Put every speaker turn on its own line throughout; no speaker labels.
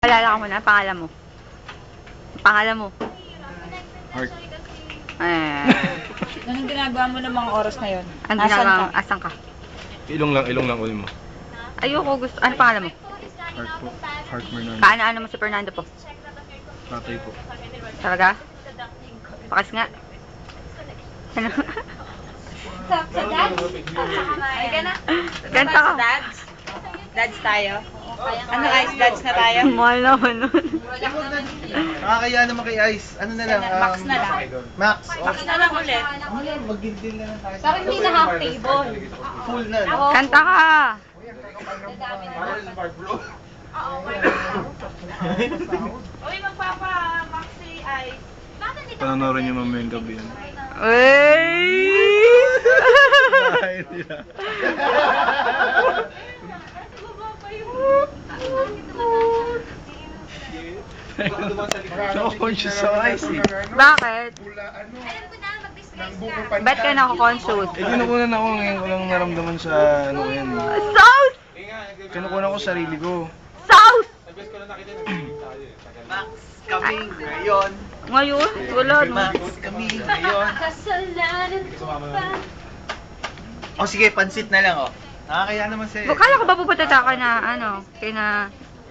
Alala ka muna, pangalan mo. Pangalan mo.
Heart.
Anong ginagawa mo ng mga oras na yun?
Ang
Nasaan
ginagawa,
ka?
asan ka?
Ilong lang ulit mo.
Ayoko, gusto, ano pangalan mo?
Heart po. Heart Fernando.
Kaano-ano mo si Fernando po?
Tatay po.
Talaga? Pakas nga. Ano?
Sa dads? Ay, gana.
Ganta ka.
Dads? Dads tayo? Ano ice dads na tayo?
Mahal naman nun.
Nakakaya naman kay Ice. Ano na lang?
Max na lang.
Max.
Max na lang ulit.
Ano yan? Mag-deal na lang tayo.
Parang hindi na half table.
Full na. No?
Kanta ka.
Uy, magpapa-maxi ice.
Pananorin niyo mamaya yung gabi yan.
Uy!
Ay, hindi na. Conscious sa ice eh.
Bakit? Ba't ka nako-consult?
Kinukunan ako ngayon ko lang naramdaman sa ano yan.
Sauce!
Kinukunan ko sarili ko.
Sauce!
Max kami ngayon.
Ngayon? Wala no.
Max kami ngayon.
Kasalanan ko pa.
O sige, pansit na lang oh. Nakakaya naman si...
Kala ko ba pupunta ka na, ano, kina,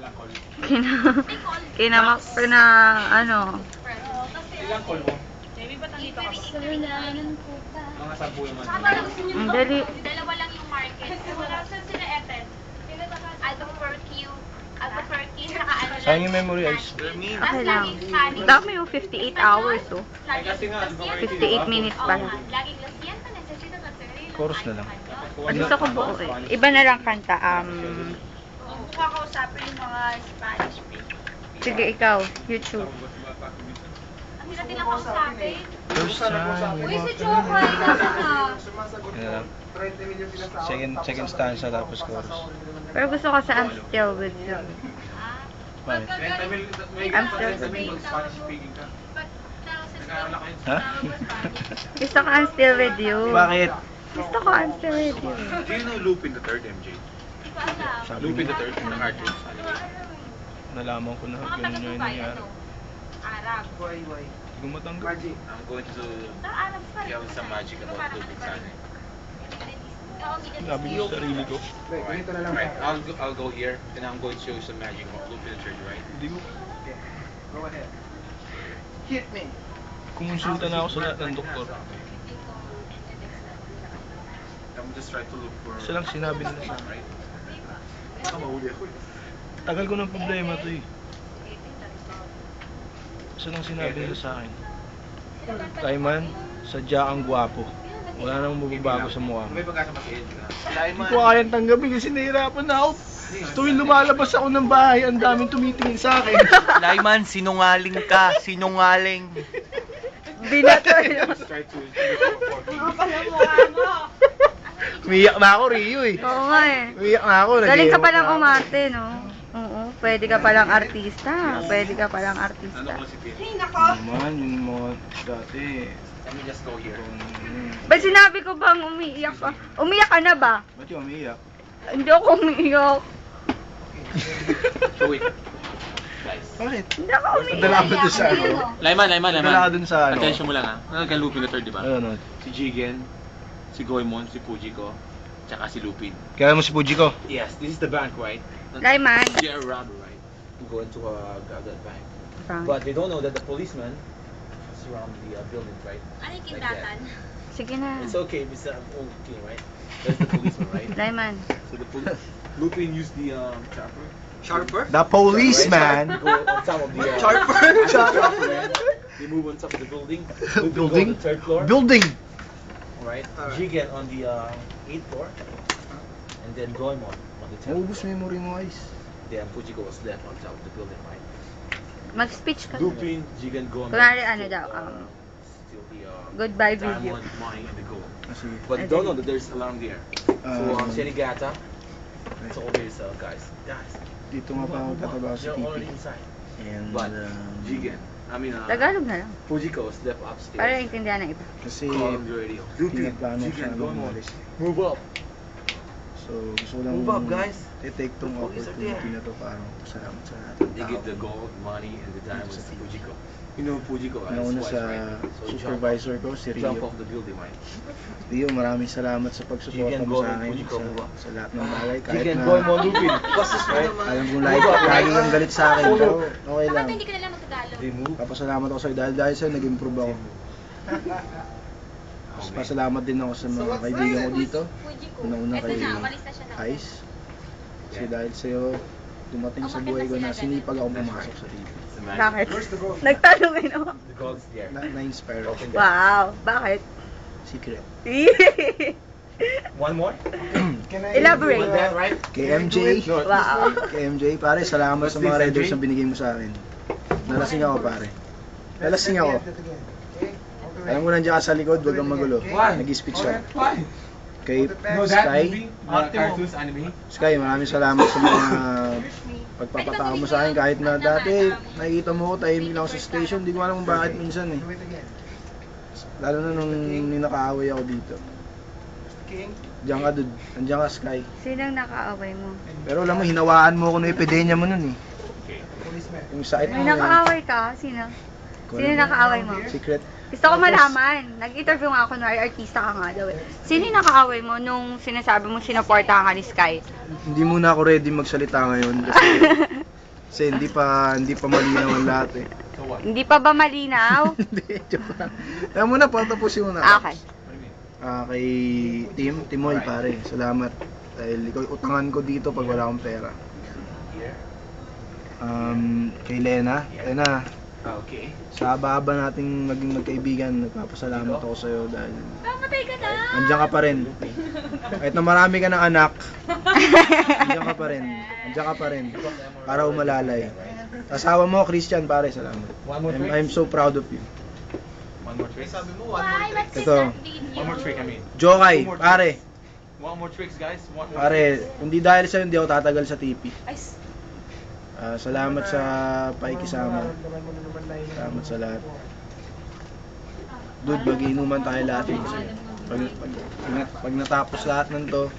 ano,
Kasalanan ko pa.
ang dali.
Dalawa lang yung market. Wala sila Eten. Albuquerque, saka ano lang.
Sayang yung memory ice.
Okay lang. Dami yung 58 hours, oh. 58 minutes pala.
Laging lasyan pa necesito na sarili.
Chorus na lang.
Gusto ko buo eh. Iba na lang kanta.
Kung kakausapin yung mga Spanish people.
Sige, ikaw. YouTube.
Ang hirap din ako kausapin.
First time.
Uy, si Chokay, nasa na?
Yeah. Second stanza tapos chorus.
Pero gusto ko sa I'm Still With You.
Bakit?
I'm Still With You.
Ha?
Gusto ko I'm Still With You.
Bakit?
Gusto ko I'm Still With You.
Do you know Lupin the Third, MJ?
Sabi
Lupin the
mo,
Third, the artist.
nalaman ko na ganun yung nangyari.
Arab.
Hindi ko matanggap.
I'm going to
Arab pa rin.
give some magic about Lupin sana.
Sabi ko sa sarili ko.
Right, I'll go here, and I'm going to show you some magic about Lupin the Third, right?
Hindi ko.
Go ahead. Hit me.
Kumonsulta na ako sa lahat ng doktor.
I'm just trying to look for...
Isa lang sinabi nila sa akin.
Right? Baka mahuli ako eh.
Tagal ko ng problema to eh. Isa lang sinabi nila sa akin. Kaiman, sadya kang gwapo. Wala nang mababago sa mukha mo.
May pagkasa mas-edge na.
Hindi ko kayang tanggapin kasi nahihirapan na ako. Tuwing lumalabas ako ng bahay, ang daming tumitingin sa akin.
Lyman, sinungaling ka. Sinungaling.
Binato yun.
Let's try to...
Umiyak na ako, Rio eh.
Oo nga eh.
Umiyak na ako.
Galing ka
nag-iwan
palang
na ako.
umarte, no? Oo. Pwede ka palang artista. Pwede ka palang
Ano
artista.
ko si Pin?
Naman, yung mga dati.
Let me just go here.
Ba't sinabi ko bang umiiyak ka? Umiyak ka na ba?
Ba't yung umiyak?
Hindi ako umiiyak.
Show it.
Bakit?
Hindi ako
Nadala
umiiyak.
ko doon sa ano.
Lyman.
Nadala ka doon sa ano.
Attention mo lang ha. Ano kay Lupin the Third, di ba?
Ano?
Si Jigen, si Goemon, si Fujiko, tsaka si Lupin.
Kaya mo si Puji ko?
Yes, this is the bank, right?
Lyman.
They're around, right? To go into that bank.
Frank.
But they don't know that the policeman surround the building, right?
Ano yung kindatan?
Sige na.
It's okay, Mr. Okay, right? That's the policeman, right?
Lyman.
So the Lupin used the chopper.
Sharper?
The policeman.
Go on top of the
Sharper?
They move on top of the building.
Building?
Go on the third floor.
Building.
Right.
Alright.
Jigen on the 8th floor. And then Goemon on the 10th
Naubos
floor.
memory mo, guys.
Then Fujiko was left on top of the building, right?
Mag-speech ka.
Lupin, Jigen, Goemon.
Kunwari ano daw,
Still the
goodbye video.
diamond, money, and the gold.
Kasi,
But they don't know that there's alarm there. So Shenigata. So all these guys.
dito nga pa ako tatrabaho sa
They're
TV.
already inside.
And,
But Jigen, I mean
Tagalog na lang.
Fujiko was left upstairs.
Para intindihan ng iba.
kasi,
Call on the radio. Lupin,
pinaplano siya
Jigen,
nung
Goemon.
umalis.
Move up.
So, gusto ko lang
Move up, guys.
i-take tong
The police are
opportunity
there.
na to para salamat sa lahat ng
They
tao.
give the gold, money, and the diamonds to Fujiko. You know Fujiko, right?
Nauna
His
sa
wife, right? So
supervisor ko, si
jump
Rio.
off the building, right?
Rio, maraming salamat sa pagsuporta
Jigen
mo
Go
sa
and
akin
Fujiko, move up.
sa lahat ng bagay. Kahit
Jigen
na
Go and Lupin. Bastos mo naman.
alam kong lagi kang galit sa akin, pero okay lang.
Bakit hindi ka na lang magtagalog?
They move.
Papasalamat ako sa'yo dahil sa'yo nag-improve ako. Mas pasalamat din ako sa mga kaibigan ko dito.
Fujiko.
Una-una
Eto
kay
na, umalis na siya na.
Ice. Kasi dahil sa'yo, dumating sa buhay ko na sinipag ako pumasok sa TV.
Bakit? Nagtanong ako.
The gold's there.
Na-inspire ako.
Open that.
Wow, bakit?
Secret.
One more?
Elaborate.
With that, right?
Kay MJ.
Wow.
Kay MJ, pare, salamat sa mga riders na binigay mo sa akin. Nalasing ako, pare. Nalasing ako. Alam mo nandiyan ka sa likod, huwag kang magulo. Nag-speech ako.
Why?
Kay
No, that
Sky.
movie, the cartoons anime.
Sky, maraming salamat sa mga pagpapatao mo sa akin. Kahit na dati, nakikita mo ko, tahimik lang ako sa station. Hindi ko alam kung bakit minsan eh. Lalo na nung ninakaaway ako dito. Diyan ka, dude. Nandiyan ka, Sky.
Sinang nakaaway mo?
Pero alam mo, hinawaan mo ako ng epidemya mo nun eh. Yung sakit mo
May nakaaway ka? Sino? Sino nakaaway mo?
Secret.
Gusto ko malaman. Nag-interview nga ako, kunwari artista ka nga daw eh. Sino yung nakaaway mo nung sinasabi mo sinuportahan ka ni Sky?
Hindi muna ako ready magsalita ngayon kasi hindi pa malinaw ang lahat eh.
So what?
Hindi pa ba malinaw?
Hindi, joke lang. Kaya muna, patapusin mo na.
Okay.
Kay Timoy pare, salamat. Dahil ikaw yung utangan ko dito pag wala akong pera. Kay Lena,
Okay.
sa haba-haba nating maging magkaibigan, nagpapasalamat ako sa'yo dahil
Mamatay ka na!
nandiyan ka pa rin. Kahit na marami ka ng anak, nandiyan ka pa rin. Nandiyan ka pa rin. Para umalalay. Asawa mo, Christian, pare, salamat.
One more trick?
I'm so proud of you.
One more trick.
Why? What's this
Ito.
video?
One more trick, I mean.
Jokay,
Two more
pare.
One more tricks, guys. One more.
Pare, hindi dahil sa'yo, hindi ako tatagal sa TP.
Ay,
Salamat sa pakikisama. Salamat sa lahat. Dude, mag-iinuman tayo lahat. Pag natapos lahat ng to,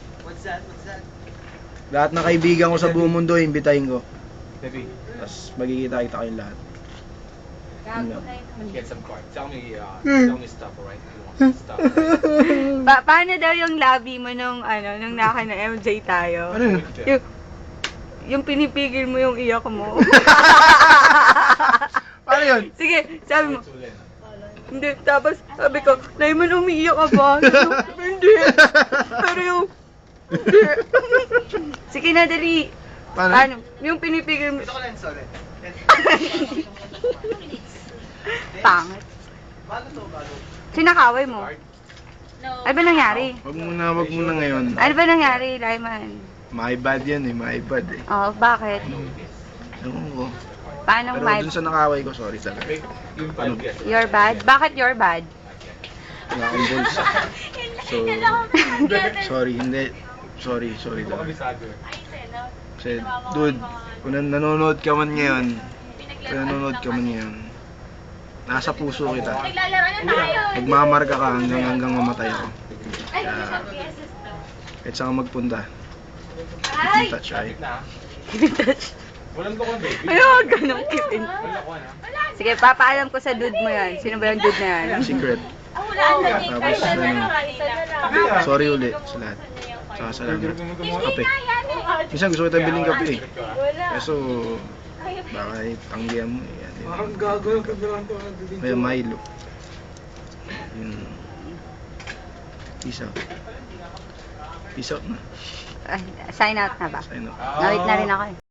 lahat ng kaibigan ko sa buong mundo, imbitahin ko.
Baby,
Tapos magkikita-kita kayong lahat. Yun lang.
get some cards. Tell me stuff, alright? You want some stuff, right?
Paano daw yung labi mo nung naka na MJ tayo?
Ano yun?
Yung pinipigil mo yung iyak mo.
Paano yun?
Sige, sabi mo. Hindi, tapos sabi ko, Layman, umiiyak ka ba? Sabi ko, hindi. Pero yung, hindi. Sige na, dali.
Paano?
Yung pinipigil mo. Pangit. Sinakaway mo.
no.
Ano ba nangyari?
Wag muna ngayon.
Ano ba nangyari, Layman?
My bad yan eh, my bad eh.
Oh, bakit?
Ewan ko.
Paano
Pero
my...
dun sa nakaway ko, sorry talaga.
Yung
Ano?
You're bad? Bakit you're bad?
Wala akong balls. So, sorry, hindi. Sorry talaga. Kasi, dude, kung nanonood ka man ngayon, nasa puso kita.
Naglalaro na tayo.
Magmamarka ka hanggang mamatay ako.
Ay,
Kaya,
beses to.
kahit saan ka magpunta,
Ay!
keep in touch, right?
Walang ko baby.
Ayun, ganun, keep in.
Wala ko na.
Sige, papaalam ko sa dude mo yan. Sino ba yung dude na yan?
Secret.
Ah, wala ang naging
Tapos,
kahit
ano,
na
sorry ulit sa lahat. Saka salamat. Kape.
yan eh.
Minsan gusto kita biling kape eh. Kaso, baka tanggihan mo eh. Yan,
Parang gago yung kabilang to.
Kaya Milo. Yun. Peace out. Peace out na.
Sign out na ba?
Sign out.
Nawit na rin ako eh.